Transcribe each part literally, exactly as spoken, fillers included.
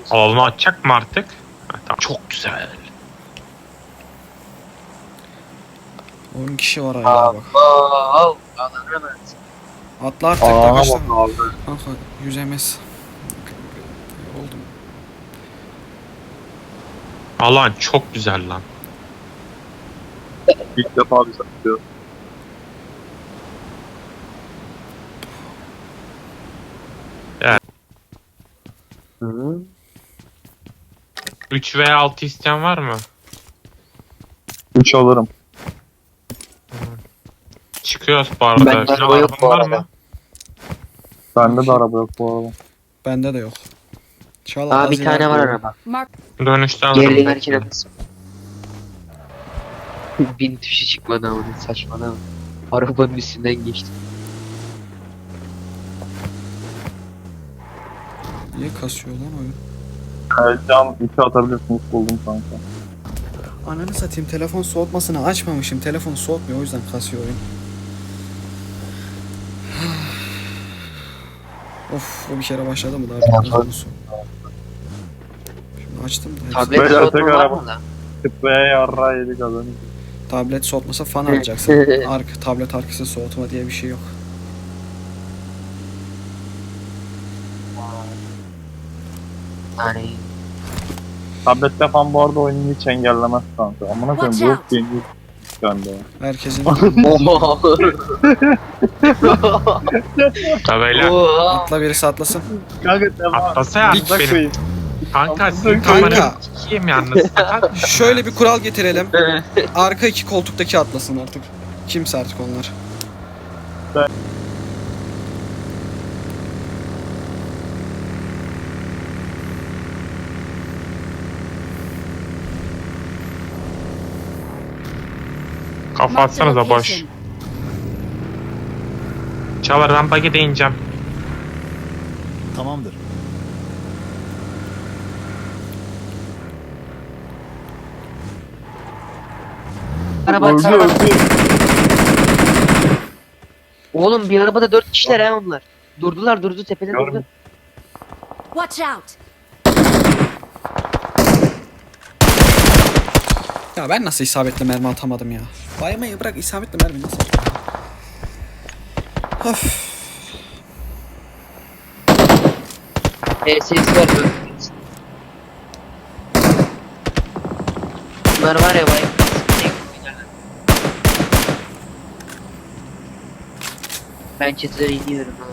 Alanı açacak mı artık? Ha, tamam. Çok güzel. on kişi var hala bak. Abo. Alanı mı? Atla artık Aa da kaçta. bak abi. Kanka yüzemez. Oldum. Alan çok güzel lan. İlk defa bir satıyor. Hı. üç veya altı isteyen var mı? üç alırım. Çıkıyoruz bu arada. Bende Şuna araba yok araban bu var arada. mı? Bende de araba yok bu arada. Bende de yok. Çağla Aa az bir tane ileride var ol. araba. Mark Dönüşte alırım. Geri dönerken alırsın. Bin tuşu çıkmadı ama saçmalama. Arabanın üstünden geçtim. Niye kasıyor lan oyun? Elcan iki atabilirsiniz buldum kanka. Ananı satayım, telefon soğutmasını açmamışım. Telefonu soğutmuyor, o yüzden kasıyor oyun. Of, o bir kere başladı mı daha telefonu soğut. Şimdi açtım da hepsi- Tablet Böyle soğutma tek var araba. mı lan? Tıpaya yarra yedik adamı. Tablet soğutmasa fan alacaksın. Ark, tablet arkası soğutma diye bir şey yok. Yani Tablette falan bu arada oyunu hiç engellemez kanka. Amına koyayım Watch bu out. yeni çıkandı. Herkesin Oha. Tabeyle. Oha. atla, birisi atlasın. Kanka devam. Atlasa ya Amına benim. koyayım. Kanka sizin Kanka. kameranı sikeyim yalnız. Şöyle bir kural getirelim. Arka iki koltuktaki atlasın artık. Kimse artık onlar. Kafa Marked a atsanıza boş. location. Çağlar rampa gidineceğim. Tamamdır. Araba Öldü araba. öldü. Oğlum bir arabada dört kişiler ha onlar. Durdular durdu tepede durdu. Görmedim. Watch out. Ya ben nasıl isabetli mermi atamadım ya? Baymayı bırak, isabetli mermi nasıl atamadım? Of. P S S var böyle. Bunlar var ya bayağı. Ben çatıya iniyorum ha.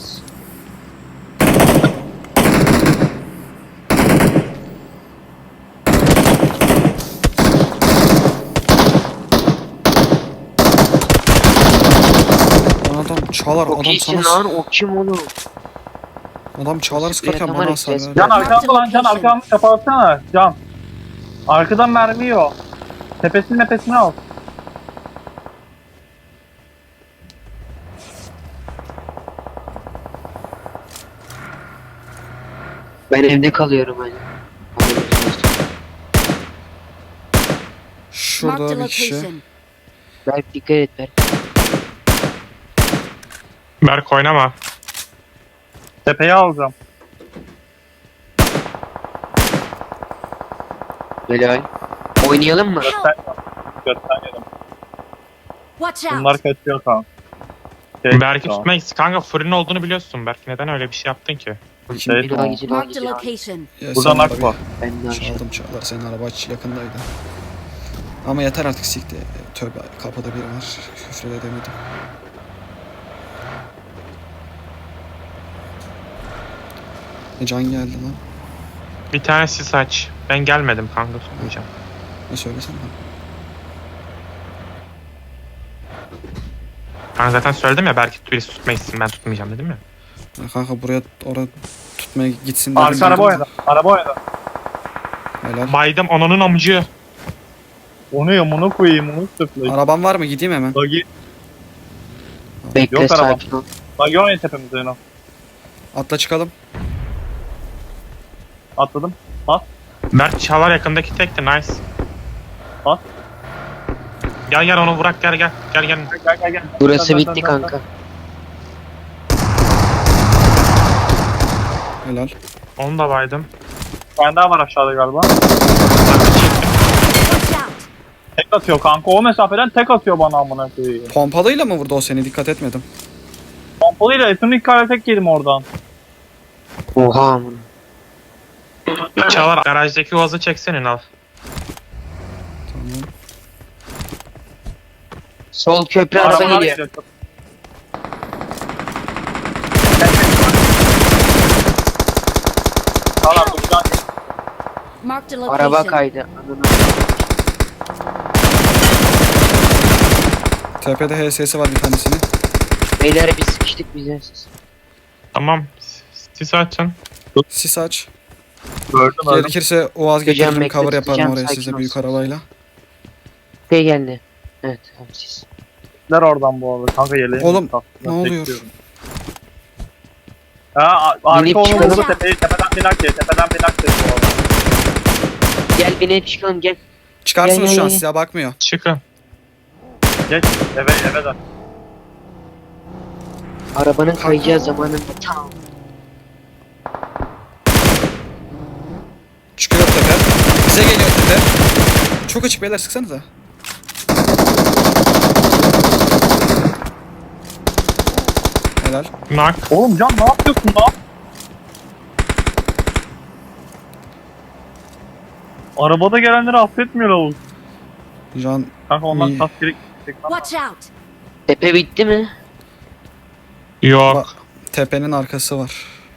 Lan adam çalar, Çok adam iyisin sana... lan o kim oğlum? Adam çağlar sıkarken Sprey bana atamadık, hasar ses- verdi. Can arkamda lan Can arkamda kapatsana Can. Arkadan mermi yiyor. Tepesinin nefesini al. Ben evde kalıyorum hani. Şurada Marked a bir kişi. location. Berk dikkat et Berk. Berk oynama. Tepeye alacağım. Helal. Oynayalım mı? Göster. Göstermedim. Watch out. Bunlar kaçıyor kanka. Şey, Berk'i tamam. tutmak kanka fırın olduğunu biliyorsun. Berk neden öyle bir şey yaptın ki? Şey, Bir daha tamam. gece daha Marked a gece. location. Ya Buradan sen ak araba- var. Ben de aşağı. Çaldım çağlar, senin araba aç yakındaydı. Ama yeter artık, sikti. Tövbe, kapıda biri var. Küfür edemedim. E, can geldi lan. Bir tane sis aç. Ben gelmedim kanka tutmayacağım. Ne söylesene. Ben zaten söyledim ya Berk'i birisi tutmayı istedim, ben tutmayacağım dedim ya. Ya kanka buraya, oraya tutmaya gitsin dedim. Arka araba duydum oynadı. Araba oynadı. da. Helal. Baydım onunun amcı. Onu ya bunu koyayım onu sırtlayayım. Araban var mı? Gideyim hemen. Bagi. Bekle Yok araba. sakin ol. Bagi oynayın tepemizde yine. Atla çıkalım. Atladım. Berk Çağlar yakındaki tekti, nice. At. Gel gel onu bırak, gel gel. Gel gel. Gel gel gel. Burası Dön, dön, bitti dön, dön, kanka. Helal. Onu da baydım. tane daha var aşağıda galiba. Watch out! Tek atıyor kanka. O mesafeden tek atıyor bana amına koyayım. Pompalıyla mı vurdu o seni? Dikkat etmedim. Pompalıyla Etonik kare tek yedim oradan. Oha amına. Çağlar garajdaki vazı çeksene al. Tamam. Sol köprü araba Arabalar geliyor. geliyor. Tamam buradan Marked a location. Araba kaydı. Ananı. Tepede H S'si var bir tanesinin. Beyler biz sıkıştık bize siz. Tamam. Sis açın. Sis aç. gördüm öyle. Gerekirse Oğaz Tutacağım, getiririm, bekle, cover yaparım tutacağım, oraya sakin size ol. büyük arabayla. Şey geldi. Evet tamam siz. Gittiler oradan bu arada. Kanka yeleğim. Oğlum, yok. ne oluyor? Bekliyorum. Ha a- arka Binip onun çıkalım. vurdu tepeyi tepeden binak diye tepeden binak diye bu arada. Gel binip çıkalım gel. Çıkarsınız Gel, şu an, gel, size bakmıyor. Çıkın. Geç eve eve dön. Arabanın kayacağı zamanında tam. Çıkıyor tepe. Bize geliyor tepe. Çok açık beyler, sıksanıza. Helal. Nak. Oğlum Can ne yapıyorsun lan? Arabada gelenleri affetmiyor lavuk. Can Kanka ondan İyi. tas gerek. Watch out! Tepe bitti mi? Yok. Bak. tepenin arkası var.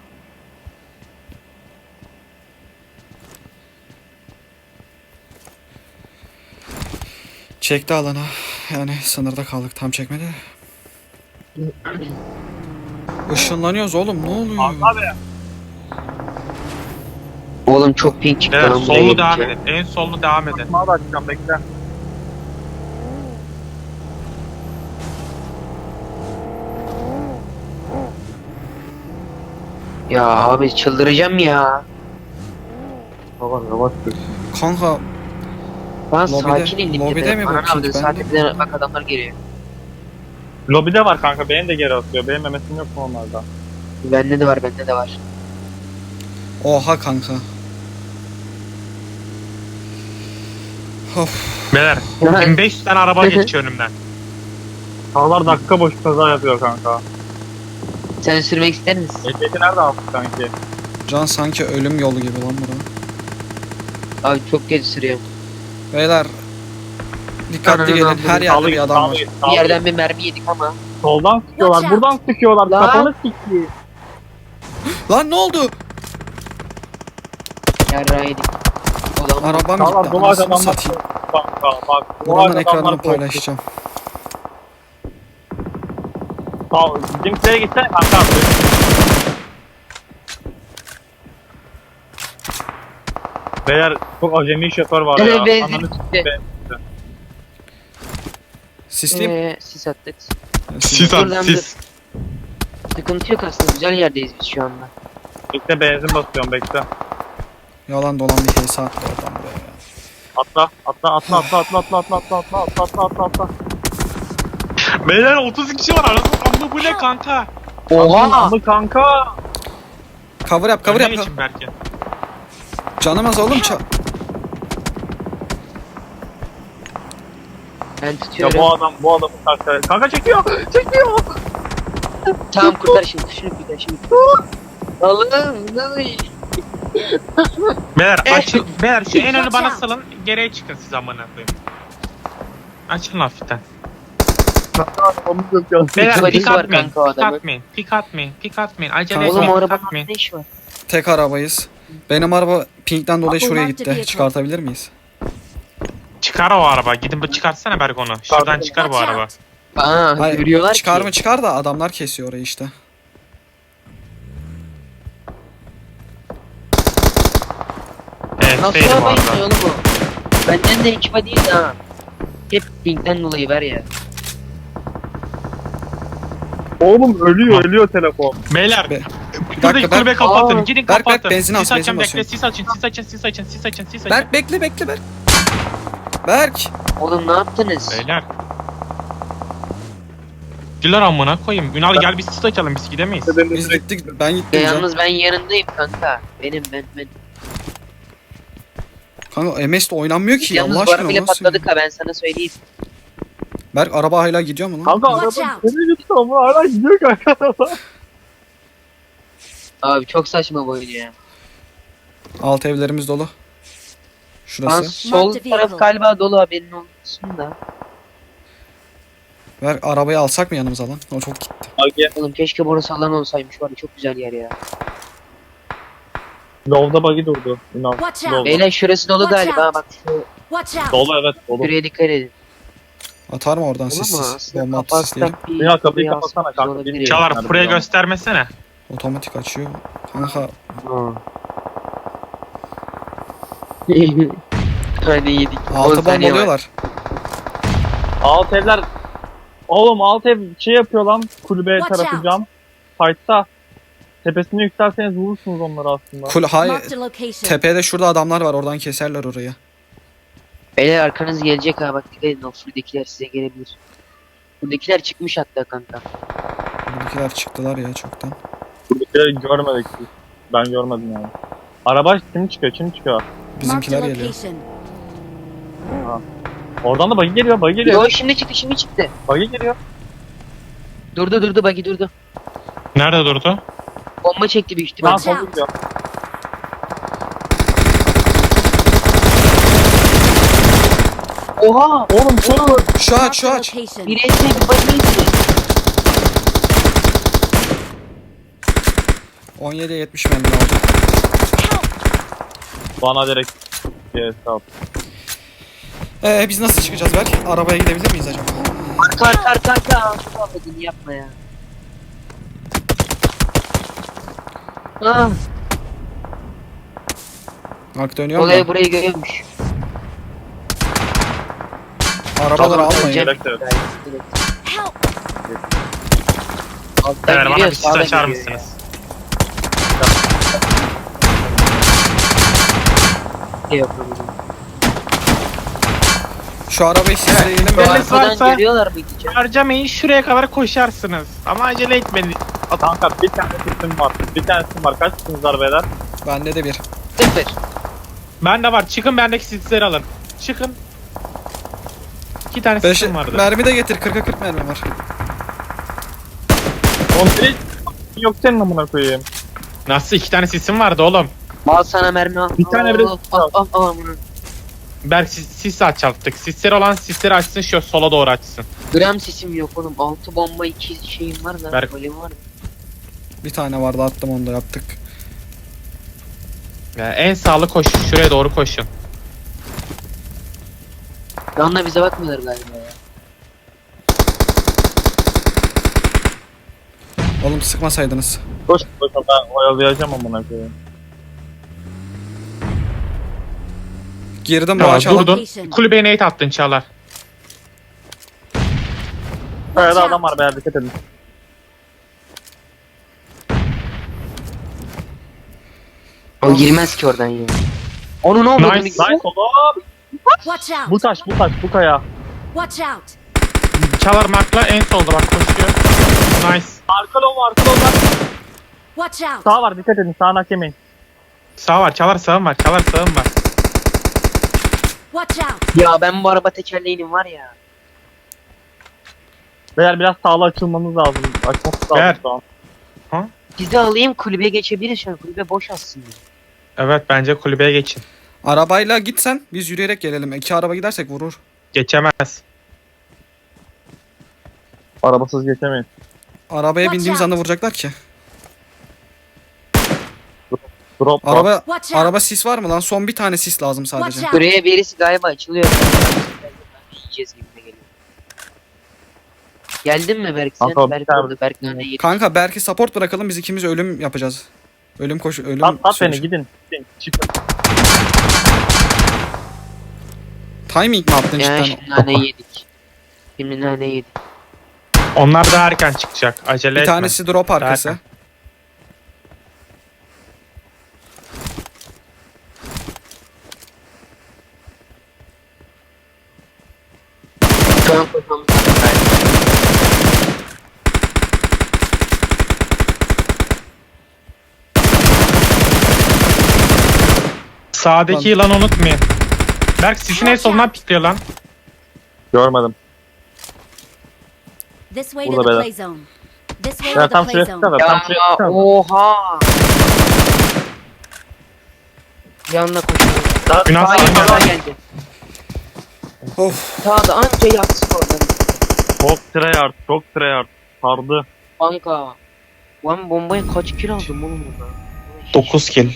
Çekti alana. Yani sınırda kaldık, tam çekmedi. Işınlanıyoruz oğlum, ne oluyor? Abi Oğlum çok pink çıktı Evet, lan buraya sollu devam gelince. edin. En sollu devam edin. bana da açacağım bekle. Ya abi çıldıracağım ya. Baba baba. Kanka Ben Lobide- sakin indim. lobide tepeye. mi bu Ananı pink avradı, sağ bende? tepeden bak adamlar geliyor. Lobide var kanka beni de geri atıyor. Benim memesim yok mu onlarda? Bende de var bende de var. oha kanka. Of. Beyler. bin beş yüz tane araba geçiyor önümden. Sağlar dakika boş kaza yapıyor kanka. Sen sürmek ister misin? Ehliyeti nerede aldık sanki? Can sanki ölüm yolu gibi lan bura. Abi çok geç sürüyorum. Beyler dikkatli Ananı gelin, avradı. her yerde bir adam var. Bir yerden bir mermi yedik ama. Soldan sıkıyorlar, Watch out. buradan sıkıyorlar. Lan. Kafanı sikti. Lan ne oldu? Yarrağı yedik. Ulan Arabam Sağlar gitti, dolar anasını adamlar. satayım. Kanka bak. Buranın dolar ekranını adamlar paylaşacağım. Sağ bizimkilere gitsene kanka. Beyler çok acemi şoför var ya. Evet benzin Ananı gitti. Sisleyeyim. Eee sis attık. Sis Dur at, lan, sis. Sıkıntı yok aslında güzel yerdeyiz biz şu anda. Bekle benzin basıyorum bekle. Yalan dolan bir hesa attı adam buraya ya. Atla atla atla atla atla atla atla atla atla atla atla atla atla. Beyler otuz kişi var arasında. Amma bu ne kanka? Oha! Ama kanka. Cover yap, cover Önüne yap. geçin belki. Canım az oğlum, ça- Ben Ya tutuyorum. bu adam bu adamı karşı. Kanka çekiyor. Çekiyor. Tamam kurtar şimdi şunu kurtar şimdi. Allah'ım ne Beyler açın. Beyler şu en önü Watch bana out. salın. Geriye çıkın siz amına koyayım. Açın hafiften. Adamı çekiyor. Beyler Vadisi pik var atmayın. kanka o Pik adamın. atmayın. Pik atmayın. Pik atmayın. Acele Kanka, Oğlum etmeyin. o Pik arabanın atmayın. ne işi var? tek arabayız. Benim araba pinkten dolayı Apple şuraya marked gitti. vehicle. Çıkartabilir miyiz? Çıkar o araba. Gidin bu çıkartsana Bergon'u. Şuradan çıkar bu Watch araba. out! Aa Hayır, görüyorlar çıkar ki. mı çıkar da adamlar kesiyor orayı işte. Evet Nasıl değilim bu arabayı arada. oğlum bu? Benden de ekipa değil ha. Hep pinkten dolayı ver ya. Oğlum ölüyor ölüyor telefon. Beyler. Be- Buradaki dakika, kulübe Aa, kapatın. Gidin Berk, Berk, kapatın. benzin al, Sis açın benzin bekle. basıyorum. Sis açın. Sis açın. Sis açın. Sis açın. Sis açın. Berk bekle bekle Berk. Berk. Oğlum ne yaptınız? Beyler. Diler amına koyayım. Ünal gel biz sis açalım. Biz gidemeyiz. Biz gittik, ben Ya gittim can. yalnız ben yanındayım kanka. Benim ben ben. Kanka M S'de oynanmıyor ki Yalnız Allah bu aşkına. arabayla o nasıl patladık ya? ha ben sana söyleyeyim. Berk araba hala gidiyor mu lan? Kanka Watch araba out. nereye gitti ama hala gidiyor kanka araba. Abi çok saçma bu oyun ya. Alt evlerimiz dolu. Lan Şurası. sol Marked taraf vehicle. galiba dolu haberin olsun da. Berk arabayı alsak mı yanımıza lan? O çok gitti. Agi. Oğlum keşke burası alan olsaymış var ya çok güzel yer ya. Low'da bug'i durdu. Ünal. Watch out. Low'da. Beyler şurası dolu Watch galiba out. bak şu Watch out. Dolu evet dolu. şuraya dikkat edin. Atar mı oradan Ama sissiz? aslında Bomba atı kapatsak sisleyelim. bir... Ya kapıyı bir kapatsana alsak kanka, olabilir bilmiyorum. ya. Çağlar buraya göstermesene. Otomatik açıyor. Kanka Ha. Hani yedik. altı on saniye var. bombalıyorlar. Alt evler. Oğlum alt ev şey yapıyor lan. Kulübe Watch tarafı out. cam. Fight'ta. Tepesine yükselseniz vurursunuz onları aslında. Kul hayır. Marked a location. Tepede şurada adamlar var. Oradan keserler orayı. Beyler arkanız gelecek ha bak dikkat edin o şuradakiler size gelebilir. Buradakiler çıkmış hatta kanka. Buradakiler çıktılar ya çoktan. Buradakileri görmedik biz. Ben görmedim yani. Araba kim çıkıyor? Kim çıkıyor? Marked a Bizimkiler geliyor. location. Oradan da bug'i geliyor. Bug'i Yo geliyor. şimdi çıktı şimdi çıktı. Bug'i geliyor. Durdu durdu bagi durdu. Nerede durdu? Bomba çekti büyük Lan ihtimal. Watch sol out. gidiyor. Oha! Oğlum şu Şu aç Marked şu a aç. location. Bir etme bir bagi etme. on yediye yetmiş mermi aldı. bana direkt bir hesap. Ee biz nasıl çıkacağız Berk? Arabaya gidebilir miyiz acaba? Arka arka arka arka. Şu affedin yapma ya. Ah, Bak dönüyor mu? olay burayı görüyormuş. Arabaları almayın. Öleceğim. Direkt evet. Help. Alttan Beyler bana giriyor, bir sis sağdan açar giriyor ya. mısınız? Şey yapalım. Şu arabayı sisleyelim. Evet. ve- Arkadan varsa- görüyorlar mıydı canım? Harcamayın şuraya kadar koşarsınız. Ama acele etmeyin. Kanka bir tane sesim var. Bir tane sesim var. Kaç sesiniz var beyler? Bende de bir. Sıfır. Bende var. Çıkın bendeki sisleri alın. Çıkın. İki tane Beş, sisim vardı. mermi de getir. kırka kırk mermi var. Oğlum direkt yok senin amına koyayım. Nasıl iki tane sisim vardı oğlum? Al sana mermi al. Bir tane Al, bile- al, al, al, al, al bunu. Berk sis, sis açalttık. Sisleri olan sisleri açsın şu sola doğru açsın. Gram sesim yok oğlum. Altı bomba iki şeyim var da. Berk. Golem var mı? Bir tane vardı attım onu da yaptık. Ya en sağlı koşun. Şuraya doğru koşun. Yanına bize bakmıyorlar galiba ya. Oğlum sıkmasaydınız. Koş koş ben oyalayacağım amına koyayım. Girdim bu Ya açalım. durdun. Kulübeye nate attın Çağlar. Kayada adam var beyler dikkat edin. O girmez ki oradan ya. Onun olmadı Nice. Nice oğlum. Watch Bu out. taş bu taş bu kaya. Watch out. Çağlar markla en solda bak koşuyor. Nice. Arka lov arka lov var. Watch out. Sağ var dikkat edin sağına yemeyin. Sağ var. Çağlar sağım var. Çağlar sağım var. Watch out. Ya ben bu araba tekerleğinin var ya. Beyler biraz sağlı açılmamız lazım. Açmamız lazım Beyler. şu an. Sizi alayım kulübeye geçebiliriz şu an. Kulübe boş aslında. Evet bence kulübeye geçin. Arabayla gitsen biz yürüyerek gelelim. İki araba gidersek vurur. Geçemez. Arabasız geçemeyin. Arabaya Watch bindiğimiz out. anda vuracaklar ki. Drop var. Araba Watch out. araba sis var mı lan? Son bir tane sis lazım sadece. Watch out. Buraya birisi galiba açılıyor. Yiyeceğiz gibi de geliyor. Geldin mi Berk sen? Kanka, bir Berk tane- orada. Berk nane yedi. Kanka belki support bırakalım biz ikimiz ölüm yapacağız. Ölüm koşu ölüm. At at beni sürüşü. gidin. Gidin. Çıkın. Timing mi attın Ya cidden? şimdi nane yedik. Şimdi nane yedik. Onlar daha erken çıkacak. Acele Bir etme. tanesi drop arkası. Zaten. Şu an koşmamız lazım. Sağdaki yılanı unutmayın. Berk sisin en solundan pikliyor lan. Görmedim. This way to Burada the beyler. play zone. This way Ya to the tam play şuraya zone. çıksana. Tam şuraya Ya çıksana. oha. Yanına koşuyor. Günah Sağa sağına. sağa geldi. Of. Sağda anca yatsın oradan. Çok tryhard. Çok tryhard. Sardı. Kanka. Ben bombayı kaç kill aldım oğlum burada? dokuz kill.